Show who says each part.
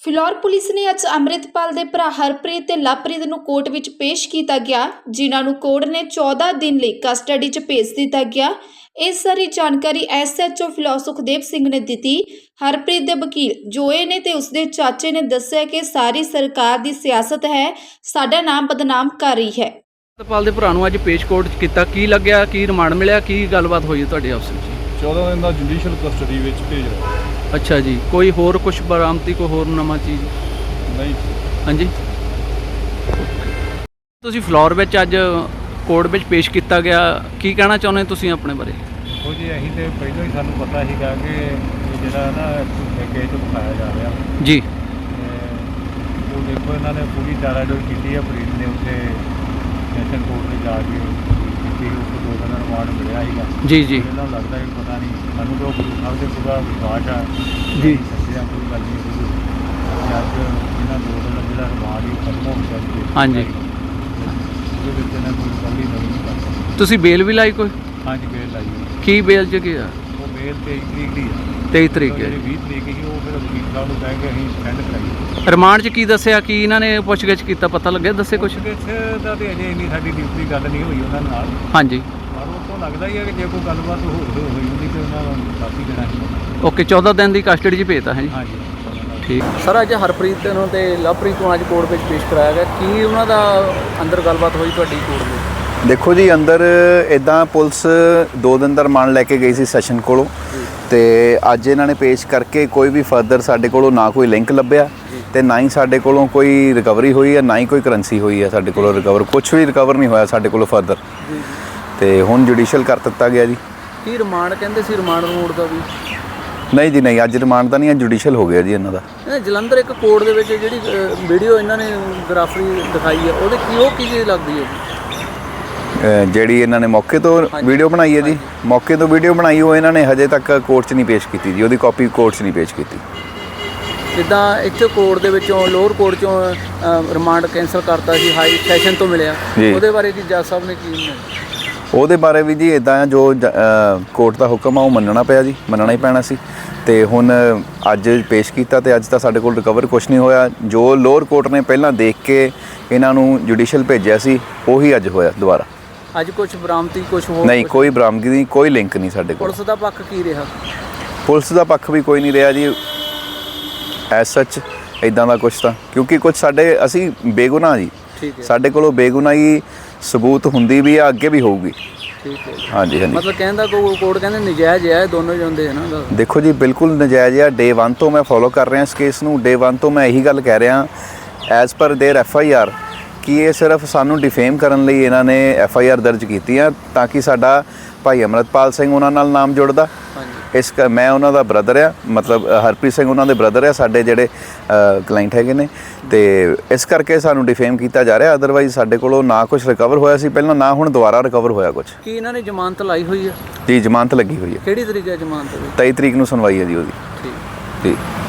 Speaker 1: Phillaur police ਨੇ ਅੱਜ ਅੰਮ੍ਰਿਤਪਾਲ ਦੇ ਭਰਾ ਹਰਪ੍ਰੀਤ ਤੇ ਲਵਪ੍ਰੀਤ ਨੂੰ ਕੋਰਟ ਵਿੱਚ ਪੇਸ਼ ਕੀਤਾ ਗਿਆ, ਜਿਨ੍ਹਾਂ ਨੂੰ ਕੋਰਟ ਨੇ 14 ਦਿਨ ਲਈ ਕਸਟਡੀ 'ਚ ਭੇਜ ਦਿੱਤਾ ਗਿਆ। ਇਸ ਸਾਰੀ ਜਾਣਕਾਰੀ ਐਸਐਚਓ ਫਿਲੌਰ ਸੁਖਦੇਵ ਸਿੰਘ ਨੇ ਦਿੱਤੀ। ਹਰਪ੍ਰੀਤ ਦੇ ਵਕੀਲ ਜੋਏ ਨੇ ਤੇ ਉਸਦੇ ਚਾਚੇ ਨੇ ਦੱਸਿਆ ਕਿ ਸਾਰੀ ਸਰਕਾਰ ਦੀ ਸਿਆਸਤ ਹੈ, ਸਾਡਾ ਨਾਮ ਬਦਨਾਮ ਕਰ ਰਹੀ ਹੈ।
Speaker 2: ਅੰਮ੍ਰਿਤਪਾਲ ਦੇ ਭਰਾ ਨੂੰ ਅੱਜ ਪੇਸ਼ ਕੋਰਟ 'ਚ ਕੀਤਾ, ਕੀ ਲੱਗਿਆ, ਕੀ ਰਿਮਾਂਡ ਮਿਲਿਆ, ਕੀ ਗੱਲਬਾਤ ਹੋਈ ਤੁਹਾਡੇ ਆਪਸ ਵਿੱਚ?
Speaker 3: 14 ਦਿਨ ਦਾ ਜੁਡੀਸ਼ੀਅਲ ਕਸਟਡੀ ਵਿੱਚ ਭੇਜ ਰਿਹਾ।
Speaker 2: ਅੱਛਾ ਜੀ, ਕੋਈ ਹੋਰ ਕੁਝ ਬਰਾਮਦੀ, ਕੋਈ ਹੋਰ ਨਵਾਂ ਚੀਜ਼?
Speaker 3: ਨਹੀਂ।
Speaker 2: ਹਾਂਜੀ, ਤੁਸੀਂ ਫਲੋਰ ਵਿੱਚ ਅੱਜ ਕੋਰਟ ਵਿੱਚ ਪੇਸ਼ ਕੀਤਾ ਗਿਆ, ਕੀ ਕਹਿਣਾ ਚਾਹੁੰਦੇ ਤੁਸੀਂ ਆਪਣੇ ਬਾਰੇ?
Speaker 3: ਉਹ ਜੀ ਅਸੀਂ ਤੇ ਪਹਿਲਾਂ ਹੀ ਸਾਨੂੰ ਪਤਾ ਸੀਗਾ ਕਿ ਇਹ ਜਿਹੜਾ ਨਾ ਕੇਸ ਦਿਖਾਇਆ ਜਾ ਰਿਹਾ
Speaker 2: ਜੀ।
Speaker 3: ਉਹ ਦੇਖੋ ਇਹਨਾਂ ਨੇ ਪੂਰੀ ਚਾਰਾਜੋਈ ਕੀਤੀ ਹੈ। ਫਰੀਦ ਨੇ ਉੱਥੇ ਸੈਸ਼ਨ ਕੋਰਟ 'ਤੇ ਜਾ ਕੇ ਕੀਤੀ, ਉੱਥੇ 2 ਦਿਨ ਦਾ ਰਿਮਾਂਡ ਮਿਲਿਆ ਸੀਗਾ।
Speaker 2: ਜੀ ਜੀ
Speaker 3: ਇਹਨਾਂ ਨੂੰ ਲੱਗਦਾ ਕਿ ਪਤਾ ਨਹੀਂ, ਸਾਨੂੰ ਤਾਂ ਗੁਰੂ ਸਾਹਿਬ ਦੇ ਪੂਰਾ ਵਿਸ਼ਵਾਸ ਆ
Speaker 2: ਜੀ।
Speaker 3: ਸੱਚਿਆ ਕੋਈ ਗੱਲ ਨਹੀਂ ਹੋਈ। ਅੱਜ ਇਹਨਾਂ 2 ਦਿਨ ਦਾ ਜਿਹੜਾ ਰਿਮਾਂਡ ਹੀ ਖਤਮ ਹੋ ਗਿਆ ਜੀ।
Speaker 2: ਹਾਂਜੀ,
Speaker 3: ਉਹਦੇ ਵਿੱਚ ਇਹਨਾਂ ਕੋਈ ਗੱਲ ਹੀ ਨਹੀਂ ਕਰ ਸਕਦਾ।
Speaker 2: ਤੁਸੀਂ ਬੇਲ ਵੀ ਲਾਈ ਕੋਈ?
Speaker 3: ਹਾਂਜੀ, ਬੇਲ ਲਾਈ ਹੋਈ।
Speaker 2: ਕੀ ਬੇਲ 'ਚ ਕੀ ਆ?
Speaker 3: ਉਹ ਬੇਲ 23 ਤਰੀਕ ਦੀ ਆ।
Speaker 2: 23 ਤਰੀਕ ਹੈ।
Speaker 3: ਜਿਹੜੀ 20 ਤਰੀਕ ਸੀ ਉਹ ਫਿਰ ਵਕੀਲ ਸਾਹਿਬ ਨੂੰ ਕਹਿ ਕੇ ਅਸੀਂ ਸਪੈਂਡ ਕਰਾਈ।
Speaker 2: ਰਿਮਾਂਡ 'ਚ ਕੀ ਦੱਸਿਆ, ਕੀ ਇਹਨਾਂ ਨੇ ਪੁੱਛਗਿੱਛ ਕੀਤਾ, ਪਤਾ ਲੱਗਿਆ? ਦੱਸੇ ਕੁਝ?
Speaker 3: ਪੁੱਛਗਿੱਛ ਦਾ ਤੇ ਅਜੇ ਇੰਨੀ ਸਾਡੀ ਡਿਊਟੀ ਗੱਲ ਨਹੀਂ ਹੋਈ ਉਹਨਾਂ ਨਾਲ,
Speaker 2: ਹਾਂਜੀ,
Speaker 3: ਪਰ ਉਹ ਤੋਂ ਲੱਗਦਾ ਹੀ ਹੈ ਕਿ ਜੇ ਕੋਈ ਗੱਲਬਾਤ ਹੋਈ ਹੁੰਦੀ ਤੇ ਉਹਨਾਂ ਨੂੰ ਕਾਫੀ ਦੇਣਾ ਸੀ।
Speaker 2: ਓਕੇ, 14 ਦਿਨ ਦੀ ਕਸਟਡੀ 'ਚ ਭੇਜਤਾ ਹੈ ਜੀ।
Speaker 3: ਹਾਂਜੀ,
Speaker 2: ਠੀਕ ਸਰ, ਅੱਜ ਹਰਪ੍ਰੀਤ ਨੂੰ ਤੇ ਲਵਪ੍ਰੀਤ ਨੂੰ ਅੱਜ ਕੋਰਟ ਵਿੱਚ ਪੇਸ਼ ਕਰਾਇਆ ਗਿਆ, ਕੀ ਉਹਨਾਂ ਦਾ ਅੰਦਰ ਗੱਲਬਾਤ ਹੋਈ ਤੁਹਾਡੀ ਕੋਰਟ ਵਿੱਚ?
Speaker 4: ਦੇਖੋ ਜੀ, ਅੰਦਰ ਇੱਦਾਂ ਪੁਲਿਸ 2 ਦਿਨ ਦਾ ਰਿਮਾਂਡ ਲੈ ਕੇ ਗਈ ਸੀ ਸੈਸ਼ਨ ਕੋਲੋਂ, ਤੇ ਅੱਜ ਇਹਨਾਂ ਨੇ ਪੇਸ਼ ਕਰਕੇ ਕੋਈ ਵੀ ਫਰਦਰ ਸਾਡੇ ਕੋਲੋਂ ਨਾ ਕੋਈ ਲਿੰਕ ਲੱਭਿਆ ਤੇ ਨਾ ਹੀ ਸਾਡੇ ਕੋਲੋਂ ਕੋਈ ਰਿਕਵਰੀ ਹੋਈ ਹੈ, ਨਾ ਹੀ ਕੋਈ ਕਰੰਸੀ ਹੋਈ ਹੈ ਸਾਡੇ ਕੋਲੋਂ ਰਿਕਵਰ। ਕੁਝ ਵੀ ਰਿਕਵਰ ਨਹੀਂ ਹੋਇਆ ਸਾਡੇ ਕੋਲੋਂ ਫਰਦਰ, ਤੇ ਹੁਣ ਜੁਡੀਸ਼ੀਅਲ ਕਰ ਦਿੱਤਾ ਗਿਆ ਜੀ।
Speaker 2: ਕੀ ਰਿਮਾਂਡ ਕਹਿੰਦੇ ਸੀ? ਰਿਮਾਂਡ ਰੋਡ ਦਾ ਵੀ
Speaker 4: ਨਹੀਂ ਜੀ, ਨਹੀਂ, ਅੱਜ ਰਿਮਾਂਡ ਤਾਂ ਨਹੀਂ, ਅੱਜ ਜੁਡੀਸ਼ੀਅਲ ਹੋ ਗਿਆ ਜੀ ਇਹਨਾਂ ਦਾ।
Speaker 2: ਜਲੰਧਰ ਇੱਕ ਕੋਰਟ ਦੇ ਵਿੱਚ ਜਿਹੜੀ ਵੀਡੀਓ ਇਹਨਾਂ ਨੇ ਗ੍ਰਾਫਰੀ ਦਿਖਾਈ ਹੈ, ਉਹਦੇ ਕੀ ਕੀ ਚੀਜ਼ ਲੱਗਦੀ ਹੈ ਜੀ?
Speaker 4: ਜਿਹੜੀ ਇਹਨਾਂ ਨੇ ਮੌਕੇ ਤੋਂ ਵੀਡੀਓ ਬਣਾਈ ਹੈ ਜੀ, ਮੌਕੇ ਤੋਂ ਵੀਡੀਓ ਬਣਾਈ, ਉਹ ਇਹਨਾਂ ਨੇ ਹਜੇ ਤੱਕ ਕੋਰਟ 'ਚ ਨਹੀਂ ਪੇਸ਼ ਕੀਤੀ ਜੀ। ਉਹਦੀ ਕਾਪੀ ਕੋਰਟ 'ਚ ਨਹੀਂ ਪੇਸ਼ ਕੀਤੀ।
Speaker 2: ਜਿੱਦਾਂ ਇੱਥੇ ਕੋਰਟ ਦੇ ਵਿੱਚੋਂ ਲੋਅਰ ਕੋਰਟ 'ਚੋਂ ਰਿਮਾਂਡ ਕੈਂਸਲ ਕਰਤਾ ਸੀ, ਹਾਈ ਸੈਸ਼ਨ ਤੋਂ ਮਿਲਿਆ, ਉਹਦੇ ਬਾਰੇ ਕੀ ਜੱਜ ਸਾਹਿਬ ਨੇ ਕੀ?
Speaker 4: ਉਹਦੇ ਬਾਰੇ ਵੀ ਜੀ ਇੱਦਾਂ ਆ, ਜੋ ਕੋਰਟ ਦਾ ਹੁਕਮ ਆ ਉਹ ਮੰਨਣਾ ਪਿਆ ਜੀ, ਮੰਨਣਾ ਹੀ ਪੈਣਾ ਸੀ। ਤੇ ਹੁਣ ਅੱਜ ਪੇਸ਼ ਕੀਤਾ ਤੇ ਅੱਜ ਤਾਂ ਸਾਡੇ ਕੋਲ ਰਿਕਵਰ ਕੁਝ ਨਹੀਂ ਹੋਇਆ। ਜੋ ਲੋਅਰ ਕੋਰਟ ਨੇ ਪਹਿਲਾਂ ਦੇਖ ਕੇ ਇਹਨਾਂ ਨੂੰ ਜੁਡੀਸ਼ੀਅਲ ਭੇਜਿਆ ਸੀ, ਉਹੀ ਅੱਜ ਹੋਇਆ ਦੁਬਾਰਾ।
Speaker 2: ਅੱਜ ਕੁਝ ਬਰਾਮਦੀ, ਕੁਝ ਹੋਰ?
Speaker 4: ਨਹੀਂ, ਕੋਈ ਬਰਾਮਦਗੀ ਨਹੀਂ, ਕੋਈ ਲਿੰਕ ਨਹੀਂ ਸਾਡੇ ਕੋਲ।
Speaker 2: ਪੁਲਿਸ ਦਾ ਪੱਖ ਕੀ ਰਿਹਾ?
Speaker 4: ਪੁਲਿਸ ਦਾ ਪੱਖ ਵੀ ਕੋਈ ਨਹੀਂ ਰਿਹਾ ਜੀ ਐਸ ਸੱਚ ਇੱਦਾਂ ਦਾ ਕੁਝ ਤਾਂ, ਕਿਉਂਕਿ ਕੁਝ ਅਸੀਂ ਬੇਗੁਨਾਹ ਜੀ, ਸਾਡੇ ਕੋਲੋਂ ਬੇਗੁਨਾਹੀ ਸਬੂਤ ਹੁੰਦੀ ਵੀ ਆ, ਅੱਗੇ ਵੀ ਹੋਊਗੀ।
Speaker 2: ਠੀਕ ਹੈ,
Speaker 4: ਹਾਂਜੀ ਹਾਂਜੀ।
Speaker 2: ਮਤਲਬ ਕਹਿੰਦਾ ਕੋਰਟ ਕਹਿੰਦੇ ਨਜਾਇਜ਼ ਹੈ, ਦੋਨੋਂ ਜਾਂਦੇ ਹੈ ਨਾ?
Speaker 4: ਦੇਖੋ ਜੀ, ਬਿਲਕੁਲ ਨਜਾਇਜ਼ ਆ। ਡੇ 1 ਤੋਂ ਮੈਂ ਫੋਲੋ ਕਰ ਰਿਹਾ ਇਸ ਕੇਸ ਨੂੰ। ਡੇ 1 ਤੋਂ ਮੈਂ ਇਹੀ ਗੱਲ ਕਹਿ ਰਿਹਾ, ਐਜ਼ ਪਰ ਦੇਅਰ FIR, ਕਿ ਇਹ ਸਿਰਫ ਸਾਨੂੰ ਡਿਫੇਮ ਕਰਨ ਲਈ ਇਹਨਾਂ ਨੇ FIR ਦਰਜ ਕੀਤੀ ਆ, ਤਾਂ ਕਿ ਸਾਡਾ ਭਾਈ ਅੰਮ੍ਰਿਤਪਾਲ ਸਿੰਘ ਉਹਨਾਂ ਨਾਲ ਨਾਮ ਜੁੜਦਾ। ਮੈਂ ਉਹਨਾਂ ਦਾ ਬ੍ਰਦਰ ਆ, ਮਤਲਬ ਹਰਪ੍ਰੀਤ ਸਿੰਘ ਉਹਨਾਂ ਦੇ ਬ੍ਰਦਰ ਆ, ਸਾਡੇ ਜਿਹੜੇ ਕਲਾਇੰਟ ਹੈਗੇ ਨੇ, ਤੇ ਇਸ ਕਰਕੇ ਸਾਨੂੰ ਡਿਫੇਮ ਕੀਤਾ ਜਾ ਰਿਹਾ। ਅਦਰਵਾਈਜ਼ ਸਾਡੇ ਕੋਲੋਂ ਨਾ ਕੁਝ ਰਿਕਵਰ ਹੋਇਆ ਸੀ ਪਹਿਲਾਂ, ਨਾ ਹੁਣ ਦੁਬਾਰਾ ਰਿਕਵਰ ਹੋਇਆ ਕੁਝ।
Speaker 2: ਕੀ ਇਹਨਾਂ ਨੇ ਜ਼ਮਾਨਤ ਲਾਈ ਹੋਈ ਹੈ?
Speaker 4: ਜੀ, ਜ਼ਮਾਨਤ ਲੱਗੀ ਹੋਈ ਹੈ।
Speaker 2: ਕਿਹੜੀ ਤਰੀਕ ਹੈ ਜ਼ਮਾਨਤ ਦੀ?
Speaker 4: 23 ਤਰੀਕ ਨੂੰ ਸੁਣਵਾਈ ਹੈ ਜੀ ਉਹਦੀ।
Speaker 2: ਠੀਕ
Speaker 4: ਜੀ।